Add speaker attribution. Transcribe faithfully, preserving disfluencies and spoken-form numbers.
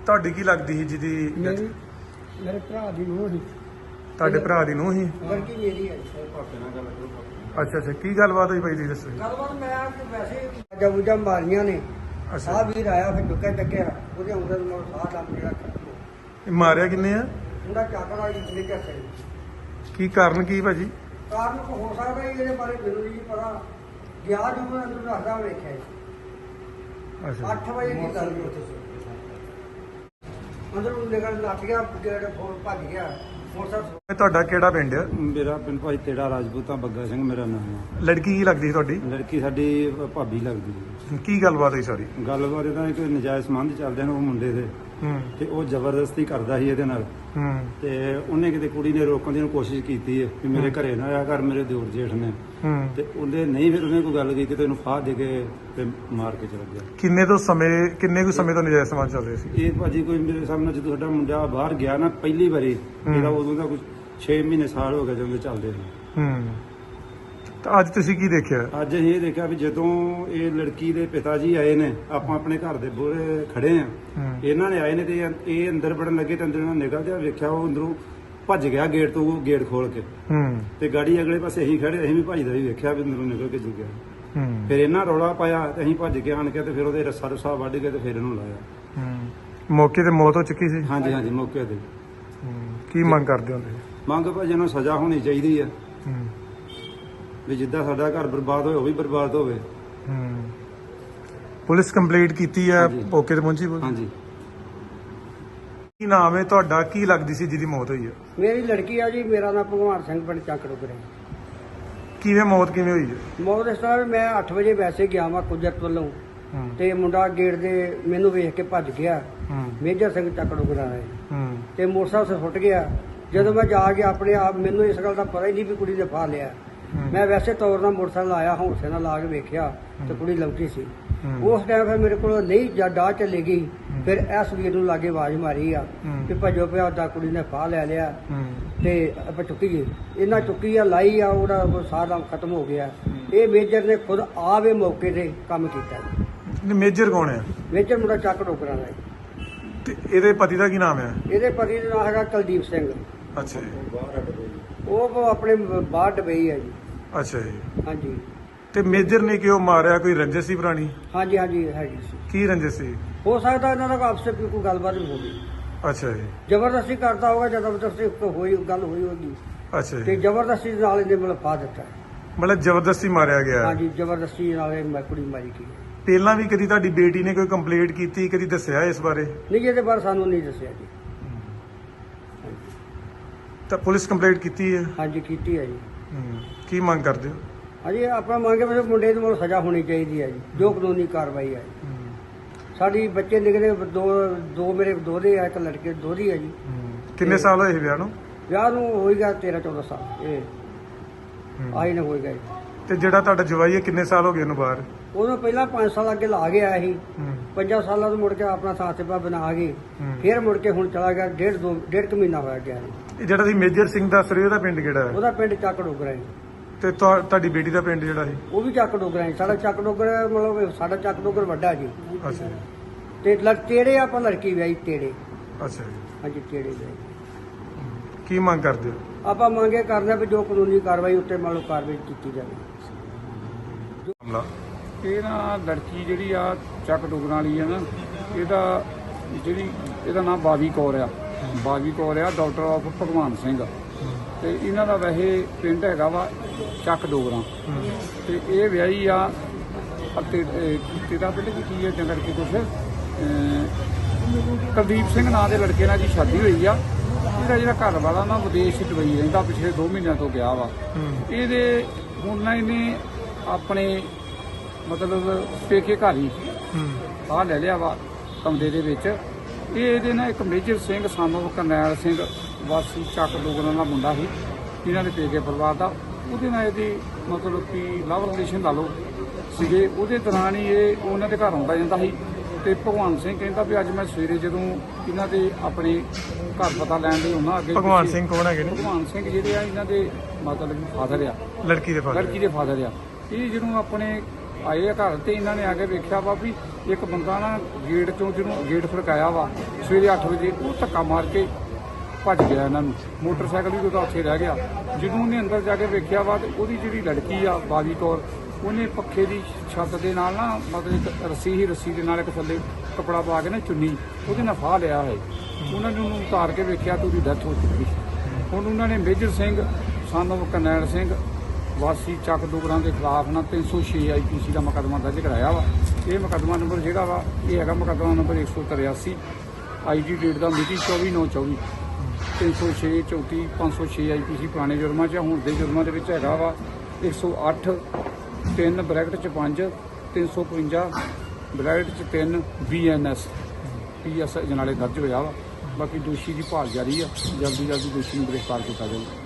Speaker 1: ਤੁਹਾਡੀ ਕੀ ਲੱਗਦੀ ਸੀ ਜਿਹਦੀ
Speaker 2: ਮੇਰੀ ਮੇਰੇ ਭਰਾ ਦੀ ਨੂੰਹ ਸੀ।
Speaker 1: ਤੁਹਾਡੇ ਭਰਾ ਦੀ ਨੂੰਹ ਸੀ?
Speaker 2: ਲੜਕੀ ਮੇਰੀ ਹੈ।
Speaker 1: ਅੱਛਾ ਅੱਛਾ, ਕੀ ਗੱਲਬਾਤ ਹੋਈ ਭਾਈ ਜੀ ਦੱਸੋ ਜੀ।
Speaker 2: ਗੱਲਬਾਤ ਮੈਂ ਕਿ ਵੈਸੇ ਜਬ ਜਬ ਮਾਰੀਆਂ ਨੇ
Speaker 1: ਅੱਛਾ
Speaker 2: ਆ ਵੀਰ ਆਇਆ ਫਿਰ ਚੁੱਕਿਆ ਚੱਕਿਆ ਉਹਦੇ ਅੰਦਰ ਨੂੰ ਸਾਹ ਦਮ ਜਿਹੜਾ
Speaker 1: ਇਹ ਮਾਰਿਆ ਕਿੰਨੇ ਆ?
Speaker 2: ਉਹਦਾ ਚਾਕਰ ਵਾਲੀ ਜਿਸਨੇ ਕਿਹਾ
Speaker 1: ਕੀ ਕਾਰਨ ਕੀ ਭਾਜੀ?
Speaker 2: ਕਾਰਨ ਹੋ ਸਕਦਾ ਜੀ, ਇਹਦੇ ਬਾਰੇ ਮੈਨੂੰ ਨਹੀਂ ਪਤਾ। ਗਿਆ ਜਦੋਂ ਮੈਂ ਅੰਦਰ ਦੱਸਦਾ ਵੇਖਿਆ ਜੀ
Speaker 1: ਅੱਛਾ
Speaker 2: ਅੱਠ ਵਜੇ ਦੀ ਗੱਲ ਸੀ ਉੱਥੇ ਅੰਦਰ ਨੂੰ ਨਿਕਲ ਲੱਗ ਗਿਆ ਗੇਟ ਫੋਨ ਭੱਜ ਗਿਆ ਮੋਟਰਸਾਈਕਲ।
Speaker 1: ਇਹ ਤੁਹਾਡਾ ਕਿਹੜਾ ਪਿੰਡ ਆ?
Speaker 3: ਮੇਰਾ ਪਿੰਡ ਭਾਈ ਤੇੜਾ ਰਾਜਪੂਤਾਂ ਬੱਗਾ ਸਿੰਘ ਮੇਰਾ ਨਾਮ ਆ।
Speaker 1: ਲੜਕੀ ਕੀ ਲੱਗਦੀ ਸੀ ਤੁਹਾਡੀ?
Speaker 3: ਲੜਕੀ ਸਾਡੀ ਭਾਬੀ ਲੱਗਦੀ ਸੀ।
Speaker 1: ਕੀ ਗੱਲਬਾਤ ਹੋਈ ਸਾਰੀ?
Speaker 3: ਗੱਲਬਾਤ ਇਹਦਾ ਇੱਕ ਨਜਾਇਜ਼ ਸੰਬੰਧ ਚੱਲਦੇ ਨੇ ਉਹ ਮੁੰਡੇ ਦੇ,
Speaker 1: ਹੂੰ
Speaker 3: ਤੇ ਉਹ ਜ਼ਬਰਦਸਤੀ ਕਰਦਾ ਸੀ ਇਹਦੇ ਨਾਲ।
Speaker 1: ਹੂੰ
Speaker 3: ਤੇ ਉਹਨੇ ਕਿਤੇ ਕੁੜੀ ਨੇ ਰੋਕਣ ਦੀ ਕੋਸ਼ਿਸ਼ ਕੀਤੀ ਹੈ ਕਿ ਮੇਰੇ ਘਰੇ ਨਾ ਆਇਆ ਕਰ, ਮੇਰੇ ਦਿਓਰ ਜੇਠ ਨੇ।
Speaker 1: ਹੂੰ
Speaker 3: ਤੇ ਉਹਨੇ ਨਹੀਂ, ਫਿਰ ਉਹਨੇ ਕੋਈ ਗੱਲ ਕੀਤੀ ਤੇ ਉਹਨੂੰ ਫਾਹ ਦੇ ਕੇ ਤੇ ਮਾਰ ਕੇ ਚਲਾ ਗਿਆ।
Speaker 1: ਕਿੰਨੇ ਤੋਂ ਸਮੇਂ ਕਿੰਨੇ ਕੁ ਸਮੇਂ ਤੋਂ ਨਜਾਇਜ਼ ਸਮਾਜ ਚੱਲ ਰਹੇ ਸੀ?
Speaker 3: ਇਹ ਭਾਜੀ ਕੋਈ ਮੇਰੇ ਸਾਹਮਣੇ ਜਦੋਂ ਸਾਡਾ ਮੁੰਡਾ ਬਾਹਰ ਗਿਆ ਨਾ ਪਹਿਲੀ ਵਾਰੀ, ਇਹਦਾ ਉਦੋਂ ਦਾ ਕੁਝ ਛੇ ਮਹੀਨੇ ਸਾਲ ਹੋ ਗਏ ਜਦੋਂ ਦੇ ਚੱਲਦੇ ਨੇ।
Speaker 1: ਹੂੰ ਤਾਂ ਅੱਜ ਤੁਸੀਂ ਕੀ ਦੇਖਿਆ?
Speaker 3: ਅੱਜ ਅਸੀਂ ਇਹ ਦੇਖਿਆ ਵੀ ਜਦੋਂ ਇਹ ਲੜਕੀ ਦੇ ਪਿਤਾ ਜੀ ਆਏ ਨੇ, ਆਪਾਂ ਆਪਣੇ ਘਰ ਦੇ ਬੂਹਰੇ ਖੜੇ ਆ,
Speaker 1: ਹੂੰ
Speaker 3: ਇਹਨਾਂ ਨੇ ਆਏ ਨੇ ਤੇ ਇਹ ਅੰਦਰ ਵੜਨ ਲੱਗੇ ਤੇ ਅੰਦਰ ਇਹਨਾਂ ਨਿਕਲ ਗਿਆ, ਵੇਖਿਆ ਉਹ ਅੰਦਰੋਂ ਭੱਜ ਗਿਆ ਗੇਟ ਤੋਂ, ਗੇਟ ਖੋਲ ਕੇ।
Speaker 1: ਹੂੰ
Speaker 3: ਤੇ ਗਾੜੀ ਅਗਲੇ ਪਾਸੇ ਅਸੀਂ ਖੜੇ, ਅਸੀਂ ਵੀ ਭੱਜਦਾ ਵੀ ਵੇਖਿਆ ਵੀ ਅੰਦਰੋਂ ਨਿਕਲ ਕੇ ਜੂ ਗਿਆ।
Speaker 1: ਹੂੰ
Speaker 3: ਫਿਰ ਇਹਨਾਂ ਰੌਲਾ ਪਾਇਆ ਤੇ ਅਸੀਂ ਭੱਜ ਕੇ ਆਣ ਕੇ ਤੇ ਫਿਰ ਉਹਦੇ ਰੱਸਾ ਰੁੱਸਾ ਵੱਢ ਕੇ ਤੇ ਫਿਰ ਇਹਨੂੰ ਲਾਇਆ।
Speaker 1: ਹੂੰ ਮੌਕੇ ਤੇ ਮੌਤ ਹੋ ਚੁੱਕੀ ਸੀ?
Speaker 3: ਹਾਂਜੀ ਹਾਂਜੀ, ਮੌਕੇ ਤੇ।
Speaker 1: ਹੂੰ ਕੀ ਮੰਗ ਕਰਦੇ ਹੋ ਤੁਸੀਂ?
Speaker 3: ਮੰਗ ਭਾਜੀ ਨੂੰ ਸਜ਼ਾ ਹੋਣੀ ਚਾਹੀਦੀ ਆ,
Speaker 1: ਹੂੰ
Speaker 3: ਵੀ ਜਿੱਦਾਂ ਸਾਡਾ ਘਰ ਬਰਬਾਦ ਹੋਇਆ ਉਹ ਵੀ ਬਰਬਾਦ ਹੋਵੇ।
Speaker 1: ਹੂੰ ਪੁਲਿਸ ਕੰਪਲੀਟ ਕੀਤੀ ਹੈ?
Speaker 3: ਹਾਂਜੀ।
Speaker 1: ਮੌਕੇ ਤੇ ਪਹੁੰਚੀ ਪੁਲਿਸ?
Speaker 3: ਹਾਂਜੀ।
Speaker 1: ਕੀ ਨਾਮ ਹੈ ਤੁਹਾਡਾ? ਕੀ ਲੱਗਦੀ ਸੀ ਜਿਹਦੀ ਮੌਤ ਹੋਈ ਹੈ?
Speaker 2: ਮੇਰੀ ਲੜਕੀ ਆ ਜੀ, ਮੇਰਾ ਨਾਮ ਭਗਵਾਨ ਸਿੰਘ ਪਿੰਡ ਚੱਕ ਡੁਗਰੇ।
Speaker 1: ਕਿਵੇਂ ਮੌਤ ਕਿਵੇਂ ਹੋਈ ਹੈ?
Speaker 2: ਮੌਤ ਇਸ ਤਰ੍ਹਾਂ ਵੀ ਮੈਂ ਅੱਠ ਵਜੇ ਵੈਸੇ ਗਿਆ ਵਾਂ ਕੁਦਰਤ ਵੱਲੋਂ,
Speaker 1: ਹੂੰ
Speaker 2: ਤੇ ਮੁੰਡਾ ਗੇਟ ਦੇ ਮੈਨੂੰ ਵੇਖ ਕੇ ਭੱਜ ਗਿਆ।
Speaker 1: ਹੂੰ
Speaker 2: ਮੇਜਰ ਸਿੰਘ ਚੱਕ ਡੁਗਰਾ ਹੈ
Speaker 1: ਹੂੰ
Speaker 2: ਤੇ ਮੋਟਰਸਾਈਕਲ ਸੁੱਟ ਗਿਆ। ਜਦੋਂ ਮੈਂ ਜਾ ਕੇ ਆਪਣੇ ਆਪ, ਮੈਨੂੰ ਇਸ ਗੱਲ ਦਾ ਪਤਾ ਹੀ ਨਹੀਂ ਵੀ ਕੁੜੀ ਨੇ ਫਾ ਲਿਆ। ਮੈਂ ਵੈਸੇ ਤੌਰ ਨਾਲ ਮੋਟਰਸਾਈਕਲ ਆਇਆ, ਹੌਂਸੇ ਨਾਲ ਲਾ ਕੇ ਵੇਖਿਆ ਤੇ ਕੁੜੀ ਲੰਕੀ ਸੀ। ਉਸ ਟਾਈਮ ਫਿਰ ਮੇਰੇ ਕੋਲ ਨਹੀਂ ਜਦ ਡਾਹ ਚੱਲੇ ਗਈ, ਫਿਰ ਐਸ ਵੀਰ ਨੂੰ ਲਾਗੇ ਆਵਾਜ਼ ਮਾਰੀ ਆ ਕਿ ਭੱਜੋ ਪਿਆ, ਉਹਦਾ ਕੁੜੀ ਨੇ ਫਾਹ ਲੈ ਲਿਆ
Speaker 1: ਹੂੰ
Speaker 2: ਤੇ ਆਪਾਂ ਚੁੱਕੀਏ। ਇਹਨਾਂ ਚੁੱਕੀ ਆ, ਲਾਈ ਆ, ਉਹਦਾ ਸਾਰਾ ਖਤਮ ਹੋ ਗਿਆ। ਇਹ ਮੇਜਰ ਨੇ ਖੁਦ ਆਵੇ ਮੌਕੇ ਤੇ ਕੰਮ ਕੀਤਾ।
Speaker 1: ਨਹੀਂ, ਮੇਜਰ ਕੌਣ ਹੈ?
Speaker 2: ਮੇਜਰ ਮੁੰਡਾ ਚੱਕ ਡੋਗਰਾ ਦਾ ਜੀ।
Speaker 1: ਤੇ ਇਹਦੇ ਪਤੀ ਦਾ ਕੀ ਨਾਮ ਹੈ?
Speaker 2: ਇਹਦੇ ਪਤੀ ਦਾ ਨਾਮ ਹੈਗਾ ਕੁਲਦੀਪ ਸਿੰਘ।
Speaker 1: ਅੱਛਾ ਜੀ
Speaker 2: ਉਹ ਆਪਣੇ ਬਾਹਰ ਡਬਈ ਹੈ ਜੀ।
Speaker 1: ਅੱਛਾ ਜੀ।
Speaker 2: ਹਾਂਜੀ
Speaker 1: ਤੇ ਮੇਜਰ ਨੇ ਕਿਉਂ ਮਾਰਿਆ? ਕੋਈ ਰੰਜਿਸ਼ ਸੀ ਪੁਰਾਣੀ?
Speaker 2: ਹਾਂਜੀ ਹਾਂਜੀ ਹੈਗੀ ਸੀ।
Speaker 1: ਕੀ ਰੰਜਿਸ਼ ਸੀ?
Speaker 2: ਹੋ ਸਕਦਾ ਇਹਨਾਂ ਦਾ ਆਪਸੇ ਵੀ ਕੋਈ ਗੱਲਬਾਤ ਵੀ ਹੋ ਗਈ।
Speaker 1: ਅੱਛਾ ਜੀ
Speaker 2: ਜ਼ਬਰਦਸਤੀ ਕਰਦਾ ਹੋਗਾ, ਜ਼ਬਰਦਸਤੀ ਹੋਈ ਗੱਲ ਹੋਈ ਹੋਗੀ
Speaker 1: ਅੱਛਾ
Speaker 2: ਤੇ
Speaker 1: ਜੀ,
Speaker 2: ਜ਼ਬਰਦਸਤੀ ਨਾਲ ਇਹਨੇ ਮਤਲਬ ਫਾ ਦਿੱਤਾ।
Speaker 1: ਮਤਲਬ ਜ਼ਬਰਦਸਤੀ ਮਾਰਿਆ ਗਿਆ?
Speaker 2: ਹਾਂਜੀ ਜ਼ਬਰਦਸਤੀ ਨਾਲ ਇਹ ਮੈਂ ਕੁੜੀ ਮਾਰੀ ਗਈ।
Speaker 1: ਪਹਿਲਾਂ ਵੀ ਕਦੀ ਤੁਹਾਡੀ ਬੇਟੀ ਨੇ ਕੋਈ ਕੰਪਲੇਂਟ ਕੀਤੀ, ਕਦੀ ਦੱਸਿਆ ਇਸ ਬਾਰੇ?
Speaker 2: ਨਹੀਂ, ਇਹਦੇ ਬਾਰੇ ਸਾਨੂੰ ਨਹੀਂ ਦੱਸਿਆ ਜੀ।
Speaker 1: ਤਾਂ ਪੁਲਿਸ ਕੰਪਲੇਂਟ ਕੀਤੀ ਹੈ?
Speaker 2: ਹਾਂਜੀ ਕੀਤੀ ਹੈ ਜੀ।
Speaker 1: ਹੂੰ ਕੀ ਮੰਗ ਕਰਦੇ ਹੋ?
Speaker 2: ਹਾਂਜੀ ਆਪਾਂ ਮੰਗੇ ਵੀ ਮੁੰਡੇ ਨੂੰ ਸਜ਼ਾ ਹੋਣੀ ਚਾਹੀਦੀ ਹੈ ਜੀ, ਜੋ ਕਾਨੂੰਨੀ ਕਾਰਵਾਈ ਹੈ।
Speaker 1: ਹੂੰ,
Speaker 2: ਸਾਡੀ ਬੱਚੇ ਨਿਕਲੇ ਦੋ ਦੋ ਮੇਰੇ ਦੋਹਰੇ ਆ, ਇੱਕ ਲੜਕੇ ਦੋਹਰੀ ਹੈ ਜੀ।
Speaker 1: ਹੂੰ। ਕਿੰਨੇ ਸਾਲ ਹੋਏ ਵਿਆਹ ਨੂੰ?
Speaker 2: ਵਿਆਹ ਨੂੰ ਹੋਏਗਾ ਤੇਰਾਂ ਚੌਦਾਂ ਸਾਲ। ਇਹ
Speaker 1: ਹੂੰ।
Speaker 2: ਆਈ ਨਾ ਹੋਏਗਾ ਜੀ।
Speaker 1: ਤੇ ਜਿਹੜਾ ਤੁਹਾਡਾ ਜਵਾਈ ਹੈ ਕਿੰਨੇ ਸਾਲ ਹੋ ਗਏ ਉਹਨੂੰ ਬਾਹਰ?
Speaker 2: ਉਹਨੂੰ ਪਹਿਲਾਂ ਪੰਜ ਸਾਲ ਅੱਗੇ ਲਾ ਗਿਆ ਸੀ।
Speaker 1: ਹੂੰ,
Speaker 2: ਪੰਜਾਂ ਸਾਲਾਂ ਤੋਂ ਮੁੜ ਕੇ ਆਪਣਾ ਸਾਥੀਪਾ ਬਣਾ ਕੇ
Speaker 1: ਹੂੰ।
Speaker 2: ਫਿਰ ਮੁੜ ਕੇ ਹੁਣ ਚਲਾ ਗਿਆ। ਡੇਢ ਦੋ ਡੇਢ ਕੁ ਮਹੀਨਾ ਹੋਇਆ ਗਿਆ।
Speaker 1: ਇਹ ਜਿਹੜਾ ਤੁਸੀਂ ਮੇਜਰ ਸਿੰਘ ਦੱਸ ਰਹੇ ਹੋ, ਉਹਦਾ ਪਿੰਡ ਕਿਹੜਾ ਹੈ?
Speaker 2: ਉਹਦਾ ਪਿੰਡ ਚੱਕ ਡੋਗਰਾ ਹੈ।
Speaker 1: ਤੇ ਤੁਹਾ- ਤੁਹਾਡੀ ਬੇਟੀ ਦਾ ਪਿੰਡ ਜਿਹੜਾ ਸੀ?
Speaker 2: ਉਹ ਵੀ ਚੱਕ ਡੋਗਰਾ ਹੈ। ਸਾਡਾ ਚੱਕ ਡੋਗਰਾ ਮਤਲਬ ਸਾਡਾ ਚੱਕ ਡੋਗਰ ਵੱਡਾ ਜੀ।
Speaker 1: ਅੱਛਾ ਜੀ
Speaker 2: ਤੇ ਲੜ ਤੇੜੇ ਆਪਾਂ ਲੜਕੀ ਵਿਆਹੀ ਤੇੜੇ।
Speaker 1: ਅੱਛਾ ਜੀ।
Speaker 2: ਹਾਂਜੀ ਤੇੜੇ ਵਿਆਹੀ।
Speaker 1: ਕੀ ਮੰਗ ਕਰਦੇ ਹੋ?
Speaker 2: ਆਪਾਂ ਮੰਗੇ ਕਰਦੇ ਵੀ ਜੋ ਕਾਨੂੰਨੀ ਕਾਰਵਾਈ ਉੱਤੇ ਮੰਨ ਲਓ ਕਾਰਵਾਈ ਕੀਤੀ ਜਾਵੇ।
Speaker 1: ਹਮਲਾ
Speaker 4: ਇਹ ਨਾ ਲੜਕੀ ਜਿਹੜੀ ਆ ਚੱਕ ਡੁਗਰਾਂ ਵਾਲੀ ਆ ਨਾ, ਇਹਦਾ ਜਿਹੜੀ ਇਹਦਾ ਨਾਮ ਬਾਵੀ ਕੌਰ ਆ। ਬਾਵੀ ਕੌਰ ਆ ਡਾਕਟਰ ਆਫ ਭਗਵਾਨ ਸਿੰਘ, ਤੇ ਇਹਨਾਂ ਦਾ ਵੈਸੇ ਪਿੰਡ ਹੈਗਾ ਵਾ ਚੱਕ ਡੋਗਰਾਂ। ਤੇ ਇਹ ਵਿਆਹੀ ਆ ਅਤੇ ਤੇਰਾ ਪਿੰਡ ਕੀ ਕੀ ਹੈ ਜਾਂ ਕਰਕੇ ਕੁਛ ਕੁਲਦੀਪ ਸਿੰਘ ਨਾਂ ਦੇ ਲੜਕੇ ਨਾਲ ਜੀ ਸ਼ਾਦੀ ਹੋਈ ਆ। ਇਹਦਾ ਜਿਹੜਾ ਘਰ ਵਾਲਾ ਨਾ ਵਿਦੇਸ਼ ਦੁਬਈ ਰਹਿੰਦਾ, ਪਿਛਲੇ ਦੋ ਮਹੀਨਿਆਂ ਤੋਂ ਗਿਆ ਵਾ। ਇਹਦੇ ਹੁਣ ਨਾ ਇਹਨੇ ਆਪਣੇ ਮਤਲਬ ਪੇਕੇ ਘਰ ਹੀ ਆਹ ਲੈ ਲਿਆ ਵਾ ਕਮਰੇ ਦੇ ਵਿੱਚ। ਇਹ ਇਹਦੇ ਨਾਲ ਇੱਕ ਮੇਜਰ ਸਿੰਘ ਸਾਨੂੰ ਕਰਨੈਲ ਸਿੰਘ ਵਾਸੀ ਚੱਕ ਡੋਗਰਾਂ ਦਾ ਮੁੰਡਾ ਸੀ, ਇਹਨਾਂ ਦੇ ਪੇਕੇ ਪਰਿਵਾਰ ਦਾ। ਉਹਦੇ ਨਾਲ ਇਹਦੀ ਮਤਲਬ ਕਿ ਲਵ ਰਿਲੇਸ਼ਨ ਲਾ ਲਓ ਸੀਗੇ। ਉਹਦੇ ਦੌਰਾਨ ਹੀ ਇਹ ਉਹਨਾਂ ਦੇ ਘਰ ਆਉਂਦਾ ਜਾਂਦਾ ਸੀ। ਤੇ ਭਗਵਾਨ ਸਿੰਘ ਕਹਿੰਦਾ ਵੀ ਅੱਜ ਮੈਂ ਸਵੇਰੇ ਜਦੋਂ ਇਹਨਾਂ ਦੇ ਆਪਣੇ ਘਰ ਪਤਾ ਲੈਣ ਲਈ ਉਹਨਾਂ ਅੱਗੇ
Speaker 1: ਭਗਵਾਨ ਸਿੰਘ ਕੌਣ ਹੈਗੇ ਨੇ?
Speaker 4: ਭਗਵਾਨ ਸਿੰਘ ਜਿਹੜੇ ਆ ਇਹਨਾਂ ਦੇ ਮਤਲਬ ਫਾਦਰ ਆ,
Speaker 1: ਲੜਕੀ ਦੇ ਫਾਦਰ?
Speaker 4: ਲੜਕੀ ਦੇ ਫਾਦਰ ਆ। ਇਹ ਜਦੋਂ ਆਪਣੇ ਆਏ ਆ ਘਰ ਤੇ ਇਹਨਾਂ ਨੇ ਆ ਕੇ ਵੇਖਿਆ ਵਾ ਵੀ ਇੱਕ ਬੰਦਾ ਨਾ ਗੇਟ ਚੋਂ ਜਿਹਨੂੰ ਗੇਟ ਫੜਕਾਇਆ ਵਾ ਸਵੇਰੇ ਅੱਠ ਵਜੇ, ਉਹ ਧੱਕਾ ਮਾਰ ਕੇ ਭੱਜ ਗਿਆ ਇਹਨਾਂ ਨੂੰ। ਮੋਟਰਸਾਈਕਲ ਵੀ ਉਹਦਾ ਉੱਥੇ ਰਹਿ ਗਿਆ। ਜਦੋਂ ਉਹਨੇ ਅੰਦਰ ਜਾ ਕੇ ਵੇਖਿਆ ਵਾ ਤੇ ਉਹਦੀ ਜਿਹੜੀ ਲੜਕੀ ਆ ਬਾਜੀ ਕੌਰ, ਉਹਨੇ ਪੱਖੇ ਦੀ ਛੱਤ ਦੇ ਨਾਲ ਨਾ ਮਤਲਬ ਇੱਕ ਰੱਸੀ ਹੀ ਰੱਸੀ ਦੇ ਨਾਲ ਇੱਕ ਥੱਲੇ ਕੱਪੜਾ ਪਾ ਕੇ ਨਾ ਚੁੰਨੀ ਉਹਦੇ ਨਾਲ ਫਾਹ ਲਿਆ ਹੈ। ਉਹਨਾਂ ਨੇ ਉਹਨੂੰ ਉਤਾਰ ਕੇ ਵੇਖਿਆ ਤੇ ਉਹਦੀ ਡੈਥ ਹੋ ਚੁੱਕੀ। ਹੁਣ ਉਹਨਾਂ ਨੇ ਮੇਜਰ ਸਿੰਘ ਸਾਨੂੰ ਕਰਨੈਲ ਸਿੰਘ ਵਾਸੀ ਚੱਕ ਡੋਗਰਾਂ ਦੇ ਖਿਲਾਫ ਨਾ ਤਿੰਨ ਸੌ ਛੇ ਆਈ ਪੀ ਸੀ ਦਾ ਮੁਕੱਦਮਾ ਦਰਜ ਕਰਾਇਆ ਵਾ। ਇਹ ਮੁਕੱਦਮਾ ਨੰਬਰ ਜਿਹੜਾ ਵਾ ਇਹ ਹੈਗਾ ਮੁਕੱਦਮਾ ਨੰਬਰ ਇੱਕ ਸੌ ਤਰਿਆਸੀ ਆਈ ਜੀ ਡੇਟ ਦਾ ਮਿਤੀ ਚੌਵੀ ਨੌ ਚੌਵੀ ਤਿੰਨ ਸੌ ਛੇ ਚੌਂਤੀ ਪੰਜ ਸੌ ਛੇ ਆਈ ਪੀ ਸੀ ਪੁਰਾਣੇ ਜੁਰਮਾਂ 'ਚ। ਹੁਣ ਦੇ ਜੁਰਮਾਂ ਦੇ ਵਿੱਚ ਹੈਗਾ ਵਾ ਇੱਕ ਸੌ ਅੱਠ ਤਿੰਨ ਬਰੈਕਟ 'ਚ ਪੰਜ ਤਿੰਨ ਸੌ ਪਚਵੰਜਾ ਬਰੈਕਟ 'ਚ ਤਿੰਨ B N S P S ਅਜਨਾਲੇ ਦਰਜ ਹੋਇਆ ਵਾ। ਬਾਕੀ ਦੋਸ਼ੀ ਦੀ ਭਾਲ ਜਾਰੀ ਆ, ਜਲਦੀ ਜਲਦੀ ਦੋਸ਼ੀ ਨੂੰ ਗ੍ਰਿਫਤਾਰ ਕੀਤਾ ਜਾਊਗਾ।